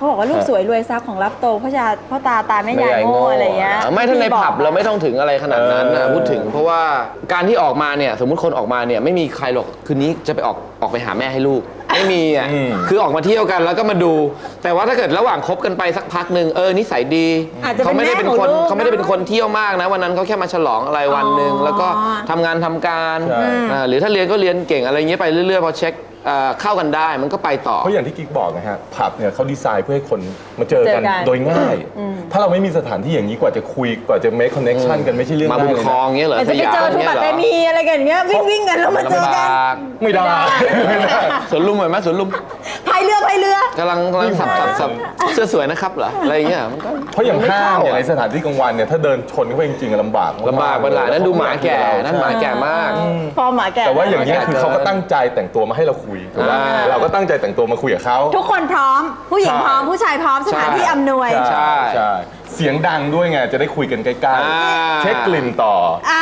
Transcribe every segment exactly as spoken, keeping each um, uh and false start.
เขาบอกว่าลูกสวยรวยทรัพย์ของรับโตพ่อชาพ่อตาตาแม่ยายโง่อะไรเงี้ยไม่ถ้าในผับเราไม่ต้องถึงอะไรขนาดนั้นนะพูดถึงเพราะว่าการที่ออกมาเนี่ยสมมุติคนออกมาเนี่ยไม่มีใครหรอกคืนนี้จะไปออกออกไปหาแม่ให้ลูกไม่มีอ่ะคือออกมาเที่ยวกันแล้วก็มาดูแต่ว่าถ้าเกิดระหว่างคบกันไปสักพักหนึ่งเออนิสัยดีเขาไม่ได้เป็นคนเขาไม่ได้เป็นคนเที่ยวมากนะวันนั้นเขาแค่มาฉลองอะไรวันหนึ่งแล้วก็ทำงานทำการหรือถ้าเรียนก็เรียนเก่งอะไรเงี้ยไปเรื่อยๆพอเช็คเข้ากันได้มันก็ไปต่อเพราะอย่างที่กิ๊กบอกนะฮะผับเนี่ยเขาดีไซน์เพื่อให้คนมาเจอกันโดยง่ายถ้าเราไม่มีสถานที่อย่างนี้กว่าจะคุยกว่าจะ make connection กันไม่ใช่เรื่องง่ายเลยมาบุญคลองเงี้ยเหรอจะไปเจอทุกปัตตานีอะไรกันเงี้ยวิ่งวิ่งกันแล้วมาเจอกันไม่ได้สวนลุมเหมือนไหมสวนลุมพายเรือพายเรือกำลังกำลังสับสับสับเสื้อสวยนะครับเหรออะไรเงี้ยมันก็เพราะอย่างห้างอย่างในสถานที่กลางวันเนี่ยถ้าเดินชนเข้าไปจริงๆลำบากลำบากเป็นหลายนั่นดูหมาแก่นั่นหมาแก่มากพอหมาแก่แต่ว่าอย่างนี้คือเขาก็ตั้งใจแต่งตัวมาให้เราคุยถูกไหมเราก็ตั้งใจแต่งตัวมาคุยกับเขาทุกคนพร้อมผู้หญิงพร้อมผู้ชายพร้อมสถานที่อำนวยใช่ใช่เสียงดังด้วยไงจะได้คุยกันใกล้ๆเช็คกลิ่นต่อ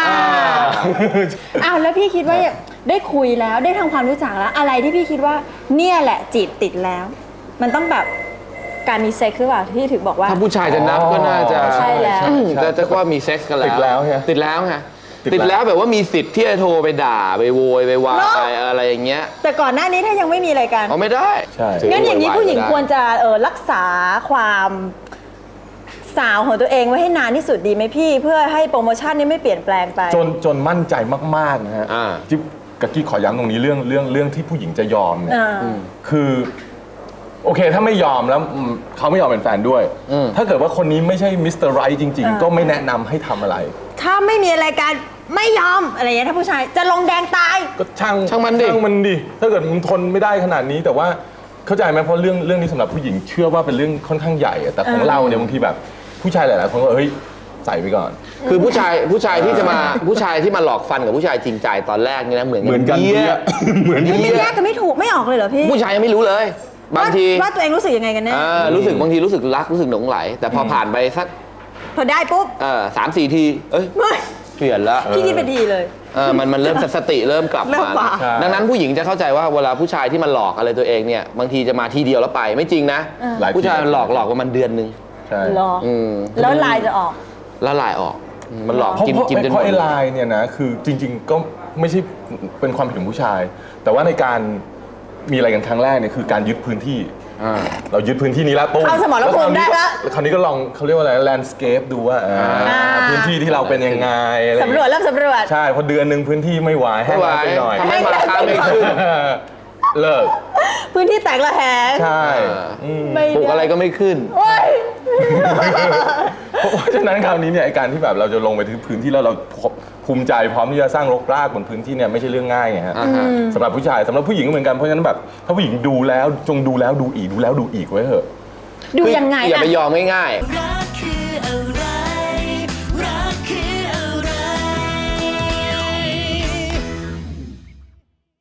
อ้าวแล้วพี่คิดว่าได้คุยแล้วได้ทำความรู้จักแล้วอะไรที่พี่คิดว่าเนี่ยแหละจีบติดแล้วมันต้องแบบการมีเซ็กซ์คือเปล่าที่ถึงบอกว่าถ้าผู้ชายจะนับก็น่าจะใช่แล้วจะจะว่ามีเซ็กซ์กันแล้วติดแล้วไงติดแล้วไงติดแล้วแบบว่ามีสิทธิ์ที่จะโทรไปด่าไปโวยไปวายอะไรอย่างเงี้ยแต่ก่อนหน้านี้ถ้ายังไม่มีอะไรกันเอาไม่ได้ใช่งั้นอย่างนี้ผู้หญิงควรจะเออรักษาความสาวของตัวเองไว้ให้นานที่สุดดีไหมพี่เพื่อให้โปรโมชั่นนี้ไม่เปลี่ยนแปลงไปจนจนมั่นใจมากๆนะฮะจิ๊บกะกี้ขอย้ำตรงนี้เรื่องเรื่องเรื่องที่ผู้หญิงจะยอมเนี่ยคือโอเคถ้าไม่ยอมแล้วเขาไม่ยอมเป็นแฟนด้วยถ้าเกิดว่าคนนี้ไม่ใช่มิสเตอร์ไรท์จริงๆก็ไม่แนะนำให้ทำอะไรถ้าไม่มีอะไรกันไม่ยอมอะไรอย่างเงี้ยถ้าผู้ชายจะลงแดงตายก็ช่างช่างมันดิช่างมันดิถ้าเกิดมันทนไม่ได้ขนาดนี้แต่ว่าเข้าใจไหมเพราะเรื่องเรื่องนี้สำหรับผู้หญิงเชื่อว่าเป็นเรื่องค่อนข้างใหญ่แต่ของเราเนี่ยบางทีแบบผู้ชายหลายๆคนก็เฮ้ยใส่ไปก่อนคือผู้ชายผู้ชายที่จะมาผู้ชายที่มาหลอกฟันกับผู้ชายจริงใจตอนแรกนี่นะเหมือนเหมือนกันเหมือนกันแยกกันไม่ถูกไม่ออกเลยเหรอพี่ผู้ชายยังไม่รู้เลยบางทีว่าตัวเองรู้สึกยังไงกันแน่รู้สึกบางทีรู้สึกรักรู้สึกหลงไหลแต่พอผ่านไปสักพอได้ปุ๊บเออสามสี่ทีเอ้ยเปลี่ยนละพี่คิดเป็นทีเลยเออมันมันเริ่มสติเริ่มกลับมาดังนั้นผู้หญิงจะเข้าใจว่าเวลาผู้ชายที่มันหลอกอะไรตัวเองเนี่ยบางทีจะมาทีเดียวแล้วไปไม่จริงนะผู้ชายหลอกหลอกประมาณเดือนนึงใช่แล้วลายจะออกแล้วลายออกมันหลอกกินกินจนหมดเพราะไอ้ลายเนี่ยนะคือจริงๆก็ไม่ใช่เป็นความผิดของผู้ชายแต่ว่าในการมีอะไรกันครั้งแรกเนี่ยคือการยึดพื้นที่เรายึดพื้นที่นี้แล้วปุ๊บเอาสมรภูมิได้แล้วคราวนี้ก็ลองเขาเรียกว่าอะไรแลนด์สเคปดูว่าพื้นที่ที่เราเป็นยังไงสำรวจเริ่มสำรวจใช่พอเดือนหนึ่งพื้นที่ไม่ไหวให้มาไปหน่อยทำให้ราคาไม่ขึ้นเลิกพื้นที่แตกระแหงใช่ปลูกอะไรก็ไม่ขึ้นเพราะฉะนั้นคราวนี้เนี่ยการที่แบบเราจะลงไปถึงพื้นที่แล้วเราภูมิใจพร้อมที่จะสร้างรกรากบนพื้นที่เนี่ยไม่ใช่เรื่องง่ายไงฮะสำหรับผู้ชายสำหรับผู้หญิงก็เหมือนกันเพราะฉะนั้นแบบถ้าผู้หญิงดูแล้วจงดูแล้วดูอีกดูแล้วดูอีกไว้เถอะดูยังไงอย่าไปยอมง่ายๆ